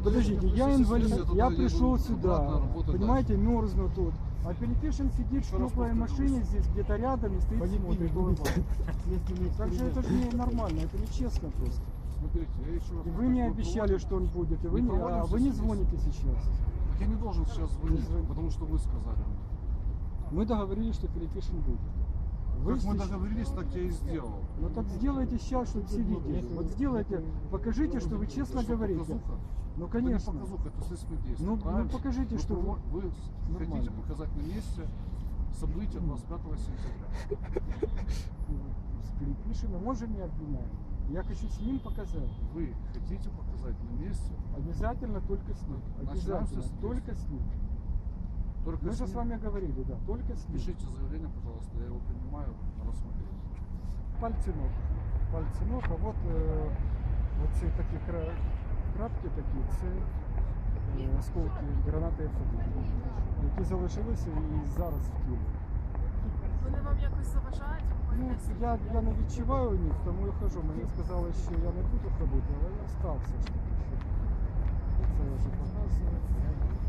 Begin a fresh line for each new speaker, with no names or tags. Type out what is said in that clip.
Подождите, я инвалид, я пришел сюда, понимаете,
дальше.
мерзну тут. А Перепишин сидит в
Еще раз
теплой
повторю,
машине
вы-
здесь где-то рядом и стоит смотрит. улыбается. Так же это же не нормально, это нечестно просто.
Смотрите, я еще раз
И вы
повторю,
мне
мы
обещали,
проводим-
что он будет, и вы
мы
не, а
проводим
вы не
сейчас
звоните сейчас.
Так я не должен сейчас звонить,
звоните.
потому что вы сказали мне.
Мы договорились, что Перепишин будет. Вы
Как мы
сейчас-
договорились, так я и сделал.
Ну так сделайте сейчас, чтобы все видели. Вот сделайте, покажите, что вы честно
Это что,
говорите.
показуха?
Ну
Это не
конечно.
показуха, это следственное действие.
Ну
правильно?
покажите, что вы...
Вы
Нормально.
хотите показать на месте события 25 сентября.
С Перепишиным, он же не обвиняет. Я хочу с ним показать.
Вы хотите показать на месте,
Обязательно только с ним.
Начинаем
Обязательно.
с
Только с ним.
только
Мы же
ним.
с вами говорили, да, только с ним.
Пишите заявление, пожалуйста, я его принимаю на рассмотрение.
Пальці ног. Пальці ног, а от оці такі крапки такі, це осколки гранати F1, які залишилися і зараз в тілі.
Вони вам якось заважають?
Ну, я не відчуваю них, тому я хожу. Мені сказали, що я не буду ходити, але я встав все ж таки. Це я вже показую.